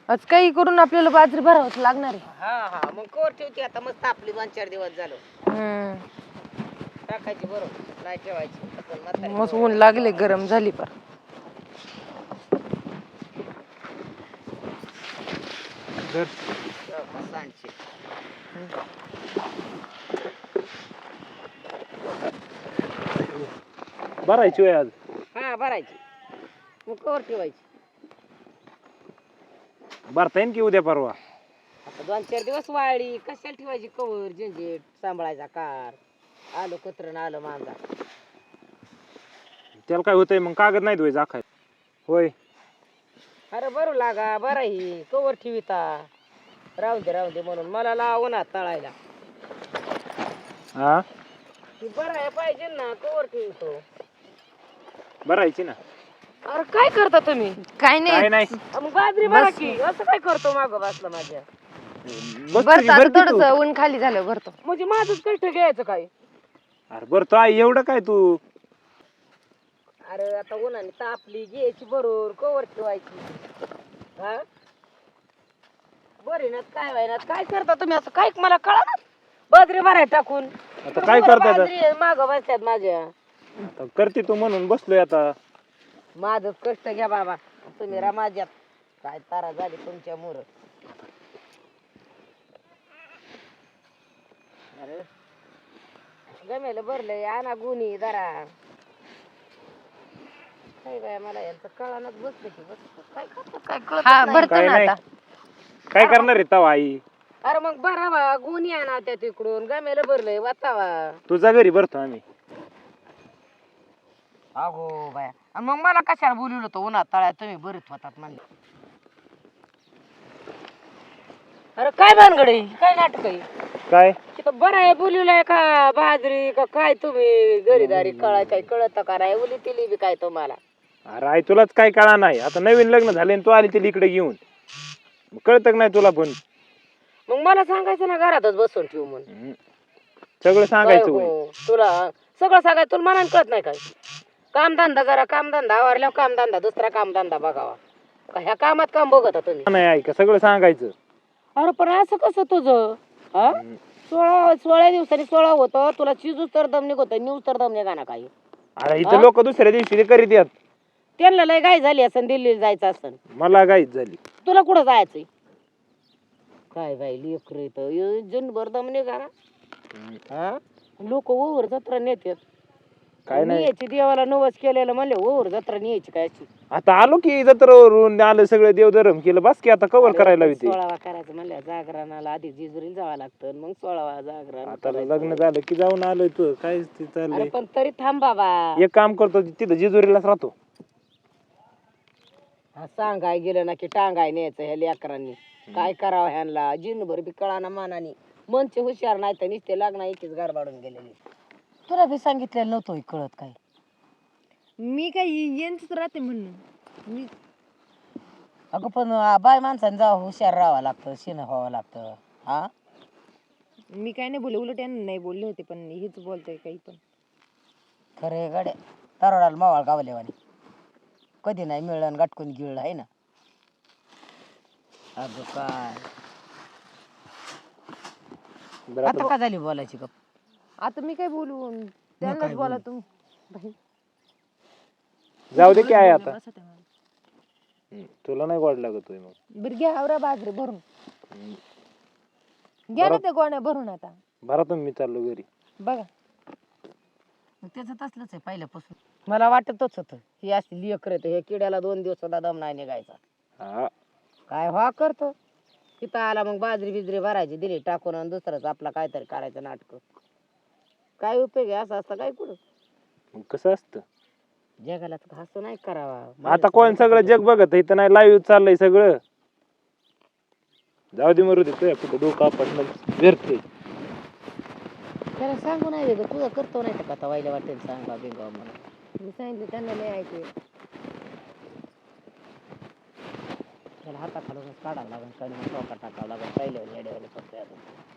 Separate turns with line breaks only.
आज काही करून आपल्याला बाजरी भरावंच लागणार आहे.
हा हा मग कोर ठेवते आता मस्त आपली 2-4 दिवस झालो टाकायची बरोबर नाही ठेवायची आपण म्हातारी
मस्त
पोरं.
ऊन लागले गरम झाली पर
मस्त आणशी.
भरायची होय आज.
हा भरायची मग कोर ठेवायची
भरता येईन की उद्या परवा.
आता 2-4 दिवस वाळली कशाला ठेवायची कवर झंझेट सांभाळायचा कार आलं कुत्रं आलं मांजा.
त्याला काय होतंय मग कागद नाही धुवायचा आखाय होय.
अरे बरं लागा बरं ही कवर ठेविता राहू दे म्हणून मला लावून हात तळायला
हा
ती बरं आहे पाहिजे ना कवर ठेवतो.
भरायची ना.
अरे काय करता तुम्ही
काय
काय
नाही
नाही
मग बाजरी बरा की असं काय करतो मागं बसला माझ्या
भरतो आता
भरती तू.
थोडस ऊन खाली झालं भरतो.
म्हणजे माझंच कष्ट घ्यायचं काय.
अरे भरतो आई एवढं काय तू.
अरे आता उन्हाने तापली घ्यायची बरोबर कवर ठेवायची हा बरी ना काय व्हायना काय करता तुम्ही असं काय मला कळा ना बाजरी भराय टाकून
आता काय करता
बाजरी माग बसतात माझ्या
आता करते तू म्हणून बसलोय आता.
माझं कष्ट घ्या बाबा तुम्ही माझ्यात काय तारा झाली तुमच्या मुर. अरे गमेल भरलंय आणा गुन्ही जरा काय बाय मला यांचं कळानच बसलं की बस काय करतात काय
हा
कळत
भरतो
काय
ना
नाही.
आता.
काय करणार आहे तवा आई.
अरे मग भरावा गुन्ही आणा त्या तिकडून गमेल भरलंय वाचावा.
तुझ्या घरी भरतो आम्ही.
अगो बाया आणि मग मला कशाला बोलवलं होतं उन्हात तळ्यात तुम्ही बरेच होतात म्हणले. अरे काय भानगडी काय नाटक आहे
काय
तिथं बरं आहे बोलवलंय का बाजरी का काय तुम्ही घरीदारी कळाय काय कळत का नाही उली तिली बी काय तुम्हाला.
अरे आई तुलाच काय कळा नाही. आता नवीन लग्न झाले आणि तू आली तिला इकडे घेऊन कळत नाही तुला पण.
मग मला सांगायचं ना घरातच बसून ठेवू म्हणून.
सगळं
काय
सांगायचं
हो,
होय.
तुला सगळं सांगायचं तुला मनाने कळत नाही काय. कामधंदा जरा कामधंदा आवरल्यावर कामधंदा दुसरा कामधंदा बघावा का ह्या कामात काम बघता तुम्ही.
नाही ऐका सगळं सांगायचं.
अरे पण असं कसं तुझं हा 16 दिवसांनी 16 होतं तुला चिजूच तर दम निघत न्यूज तर दम निघा ना काही.
अरे इथं लोक दुसऱ्या दिवशी ते करीत येत.
त्यांना लय गाय झाली असं दिल्लीला जायचं असं
मला गाईच झाली.
तुला कुठं जायचंय काय बाई लेकर जनभर दम निघा ना हा लोक ओवर जत्रा नेतात
काय नाही
न्यायची देवाला नवस केलेलं म्हणले ओवर जत्रा न्यायची काय अशी.
आता आलो की जत्रावरून आलं सगळं देवधर्म केलं बस की आता कवर करायला होते.
16 करायचं म्हणलं जागरणाला आधी जिजुरीला जावं लागतं मग 16 जागरण
आता
करायचं.
लग्न झालं की जाऊन आलोय तू काय ते
अरे
चाललंय.
पण तरी थांब बाबा
एक काम करतो तिथं जेजुरीलाच राहतो.
हा सांगाय गेलं ना की टांगाय न्यायचं ह्या लेकरांनी काय करावं ह्यांना जिनभर बी कळाना मानानी मनचे हुशार नाही तर नुसते लग्न एकीच गारबाडून गेलेली. तुला बी सांगितलेलं नव्हतं कळत काय.
मी काय यांचंच राहते म्हणून मी
अगं पण बाय माणसाने जावं हुशार राहावं लागतं शिन व्हावं लागतं हा.
मी काय नाही बोलले उलट यांना नाही बोलले होते पण हेच बोलतोय काही पण.
खरे गड्या तरोडाला मावाळ गावलेवानी कधी नाही मिळलं गाठकून गिळलं आहे ना. अगं काय
बरं
आता का झाली बोलायची गप.
आता मी काय बोलू त्यांनाच बोला तुम्ही.
जाऊ दे की आहे आता.
बसा तेव्हा.
तुला नाही गोड लागत होय मग.
बरं घ्या आवरा बाजरी भरून घ्या ना ते गोण्या भरून आता
बरं तुम्ही मी चाललो घरी.
बघा.
त्याच तसलंच आहे पहिल्यापासून. मला वाटतच होतं ही असली लेकर हे किड्याला 2 दिवस सुद्धा दम नाही निघायचा.
हा
काय व्हा करतो तिथं आला मग बाजरी बिजरी भरायची दिली टाकून आणि दुसरंच आपला काहीतरी करायचं नाटक. काय उपयोग आहे असं असतं काय कुठं.
मग कसं असतं
जगाला तर हसू नाही करावा.
आता कोण सगळं जग बघत इथं नाही लाईव्ह चाललंय सगळं. जाऊ दे मरू दे तुझ्या कुठं डोकं आपण व्यर्थ.
त्याला सांगू नाही वेगळं तुझं करतो नाही तर कथा वाईला वाटेल सांगा बिंगा मला.
मी सांगितलं त्यांना नाही ऐकू
त्याला हाताखालूनच काढावं लागेल कधी टोका टाकावं लागेल पहिल्या येड्यावाले करतोय आता.